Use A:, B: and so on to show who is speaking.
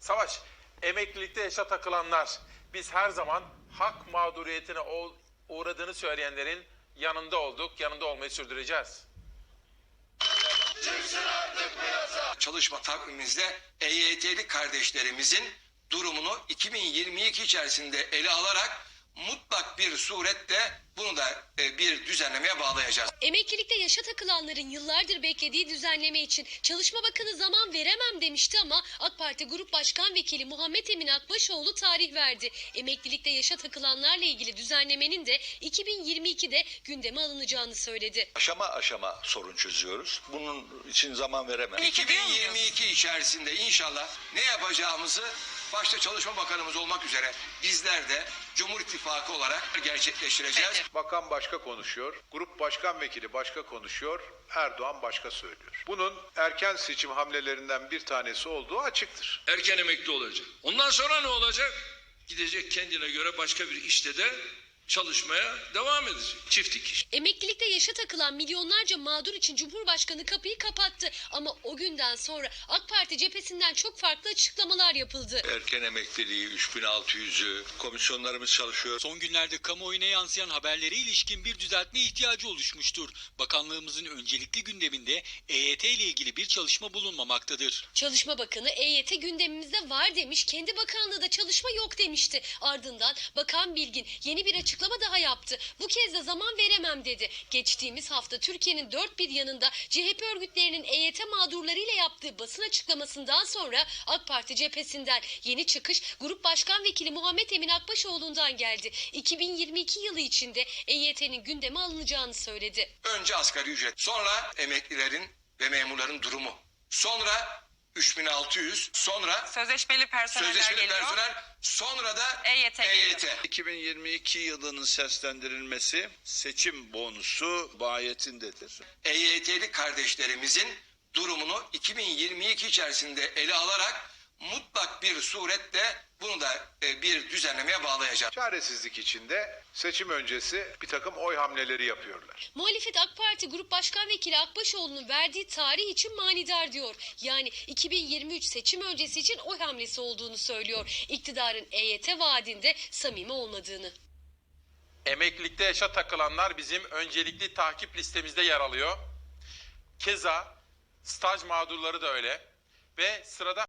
A: Savaş, emeklilikte yaşa takılanlar, biz her zaman hak mağduriyetine uğradığını söyleyenlerin yanında olduk, yanında olmayı sürdüreceğiz.
B: Çalışma takvimimizde EYT'li kardeşlerimizin durumunu 2022 içerisinde ele alarak mutlak bir surette bunu da bir düzenlemeye bağlayacağız.
C: Emeklilikte yaşa takılanların yıllardır beklediği düzenleme için Çalışma Bakanı zaman veremem demişti ama AK Parti Grup Başkan Vekili Muhammed Emin Akbaşoğlu tarih verdi. Emeklilikte yaşa takılanlarla ilgili düzenlemenin de 2022'de gündeme alınacağını söyledi.
D: Aşama aşama sorun çözüyoruz. Bunun için zaman veremem.
B: 2022 içerisinde inşallah ne yapacağımızı başta Çalışma Bakanımız olmak üzere bizler de Cumhur İttifakı olarak gerçekleştireceğiz.
E: Bakan başka konuşuyor, grup başkan vekili başka konuşuyor, Erdoğan başka söylüyor. Bunun erken seçim hamlelerinden bir tanesi olduğu açıktır.
F: Erken emekli olacak. Ondan sonra ne olacak? Gidecek kendine göre başka bir işte de çalışmaya devam edecek. Çift dikiş.
C: Emeklilikte yaşa takılan milyonlarca mağdur için Cumhurbaşkanı kapıyı kapattı. Ama o günden sonra AK Parti cephesinden çok farklı açıklamalar yapıldı.
D: Erken emekliliği 3600'ü, komisyonlarımız çalışıyor.
G: Son günlerde kamuoyuna yansıyan haberlere ilişkin bir düzeltme ihtiyacı oluşmuştur. Bakanlığımızın öncelikli gündeminde EYT ile ilgili bir çalışma bulunmamaktadır.
C: Çalışma Bakanı EYT gündemimizde var demiş, kendi bakanlığı da çalışma yok demişti. Ardından Bakan Bilgin yeni bir açıklama daha yaptı. Bu kez de zaman veremem dedi. Geçtiğimiz hafta Türkiye'nin dört bir yanında CHP örgütlerinin EYT mağdurlarıyla yaptığı basın açıklamasından sonra AK Parti cephesinden yeni çıkış Grup Başkan Vekili Muhammed Emin Akbaşoğlu'ndan geldi. 2022 yılı içinde EYT'nin gündeme alınacağını söyledi.
B: Önce asgari ücret, sonra emeklilerin ve memurların durumu, sonra 3600, sonra
H: Sözleşmeli personeller geliyor.
B: personel, sonra da
H: EYT geliyor.
D: 2022 yılının seslendirilmesi seçim bonusu bayetindedir.
B: EYT'li kardeşlerimizin durumunu 2022 içerisinde ele alarak mutlak bir surette bunu da bir düzenlemeye bağlayacağız.
E: Çaresizlik içinde seçim öncesi bir takım oy hamleleri yapıyorlar.
C: Muhalefet AK Parti Grup Başkan Vekili Akbaşoğlu'nun verdiği tarih için manidar diyor. Yani 2023 seçim öncesi için oy hamlesi olduğunu söylüyor. İktidarın EYT vaadinde samimi olmadığını.
A: Emeklilikte yaşa takılanlar bizim öncelikli takip listemizde yer alıyor. Keza staj mağdurları da öyle ve sırada